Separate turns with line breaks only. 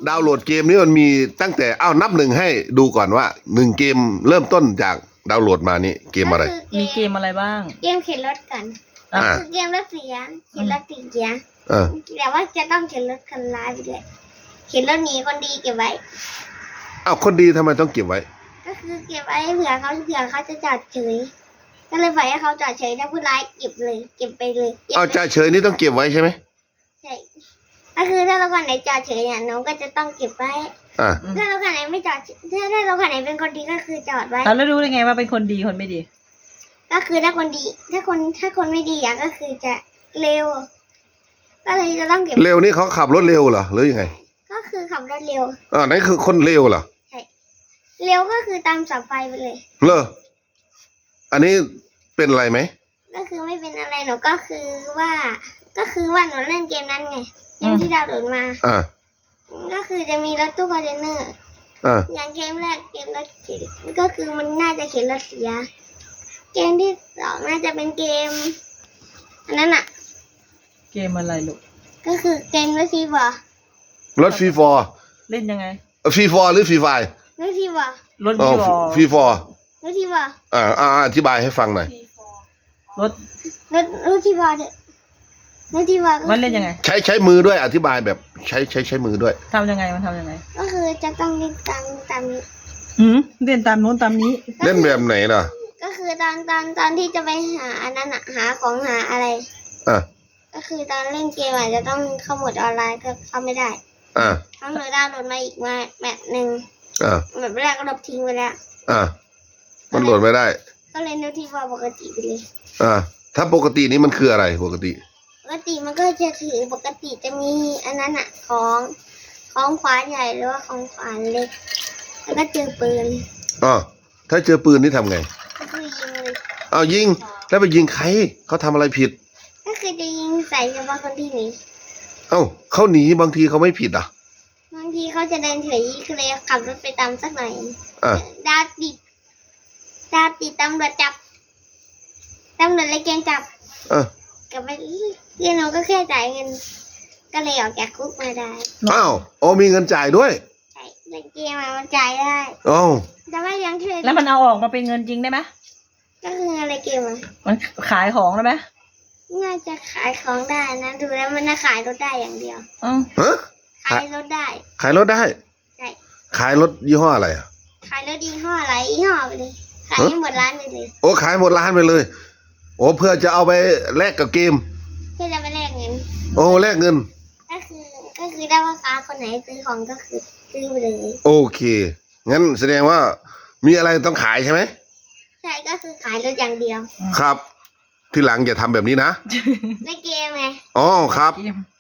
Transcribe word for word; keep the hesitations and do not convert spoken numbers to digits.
ดาวน์โหลดเกมนี้มันมีตั้งแต่อ้าวนับหนึ่งให้ดูก่อนว่าหนึ่งเกมเริ่มต้นจากดาวน์โหลดมานี่เกมอะไร
มีเกมอะไรบ้าง
เกมเข็นรถกัน
อ่า
คือเกมรถเสียเข็นรถตีเกียร์
เออ
แต่ว่าจะต้องเข็นรถคันร้ายไปด้วยเข็นรถหนีคนดีเก็บไว้
อ้าวคนดีทำไมต้องเก็บไว้
ก็คือเก็บไว้เผื่อเขาเผื่อเขาจะจอดเฉยก็เลยปล่อยให้เขาจอดเฉยถ้าผู้ร้ายเก็บเลย เก็บไปเลยก็บ
เอาจ่าเฉยนี่ต้องเก็บไว้ใช่ไหม
ใช่ก็คือถ้าเราคนไหนจอดเฉยเนี่ยน้องก็จะต้องเก็บไว้
อ่า
ถ้าเราคนไหนไม่จอดถ้าถ้าเราคนไหนเป็นคนดีก็คือจอดไว้
แล้วรู้ได้ไงว่าเป็นคนดีคนไม่ดี
ก็คือถ้าคนดี ถ้าคนถ้าคนไม่ดีอ่ะก็คือจะเร็ว ก็เลยจะต้องเก็บ
เร็วนี่เขาขับรถเร็วเหรอหรือยังไง
ก็คือขับรถเร็ว
อ่านั่นคือคนเร็วเหรอ
เร็วก็คือตามเสับไฟไปเลย
เลออันนี้เป็นอะไรไหม
ก็คือไม่เป็นอะไรหนูก็คือว่า ก็คือว่าหนูเล่นเกมนั้นไงเกมที่ดาวน์โหลดมา
อ่า
ก็คือจะมีรถตู้คอนเทนเนอร์
อ่า
อย่างเกมแรกเกมรถเข็นก็คือมันน่าจะเข็นรถเสีย เกมที่สองน่าจะเป็นเกมอันนั้นอ่ะ
เกมอะไรลูก
ก็คือเกมรถฟีบอร์
รถฟรีฟอร์
เล่นยังไง
ฟรีฟอร์หรือฟรีไฟ
รถฟีบอร์
รถ
อ๋อ
วีวอ
ฟรีฟอร์
รถฟีบอร์
อ่าอ่าอธิบายให้ฟังหน่อย
รถ
รถรถฟีบอร์เถอะรถฟีบอร์ก็
มันเล่นยังไง
ใช้ใช้มือด้วยอธิบายแบบใช้ใช้ใช้มือด้วย
ทำยังไงมันทำยังไง
ก็คือจะต้องเล่นตามตามนี้
หืมเล่นตามโน้นตามนี้
เล่นแบบไหนล่ะ
ก็คือตอนตอนตอนที่จะไปหาอันนั้นอะหาของหาอะไร
อ่า
ก็คือตอนเล่นเกมอาจจะต้องเข้าโหมดออนไลน์ก็เข้าไม่ได้
อ่า
ต้องโหลดดาวน์โหลดมาอีกมาแบบหนึ่ง
อ่า
แบบแรกก็ลบทิ้งไปแล้ว
อ่ามันโหลดไม่ได้
ก็เลยนึกที่ว่าปกติไปเลย
อ่าถ้าปกตินี้มันคืออะไรปกติ
ปกติมันก็จะถือปกติจะมีอันนั้นอะของของขวานใหญ่หรือว่าของขวานเล็ก แล้วก็เจอปืน
อ๋อถ้าเจอปืนนี่ทำไง
ก็คือยิงเลย
เอายิงแล้วไปยิงใครเขาทำอะไรผิด
ก็คือจะยิงใส่เฉพาะคนที่หนี
เอ้าเขาหนีบางทีเขาไม่ผิดอ่ะ
บางทีเขาจะเดินเฉยคือเลยขับรถไปตามสักหน่อย
อ่า
ดาวติดดาวติดตำรวจจับตำรวจเลยเกณฑ์จับ
อ่า
กลับไปเรียนน้องก็แค่จ่ายเงิน ก็เลยออกจากคุกมาได้
อ้าวโอ้มีเงินจ่ายด้วย
ใช่เล่นเกมมามันจ่ายได้
อ้าว
แต่ว่ายังเทรด
แล้วมันเอาออกมาเป็นเงินจริงได้ไหม
ก็คืออะไรเกมอ่ะ
มันขายของได้ไหม
น่าจะขายของได้นะดูแล้วมันน่าขายรถได้อย่างเดียว
อืม
ฮะ
ขายรถได้
ขายรถได้
ใช่
ขายรถยี่ห้ออะไรอ่ะ
ขายรถยี่ห้ออะไรยี่ห้อไปเลยขายให้หมดร้านไปเลย
โอ้ขายหมดร้านไปเลย โอ้เพื่อจะเอาไปแลกกับเกม
เพื่อจะไปแลกเงิน
โอ้แลกเงิน
ก็คือก็คือได้ว่าค้าคนไหนซื้อของก็คือซื้อไปเลย
โอเค งั้นแสดงว่ามีอะไรต้องขายใช่ไหม
ใช่ก็คือขายรถอย่างเดียว
ครับ ที่หลังอย่าทำแบบนี้นะ
ในเกมไง
อ๋อครับ
เกม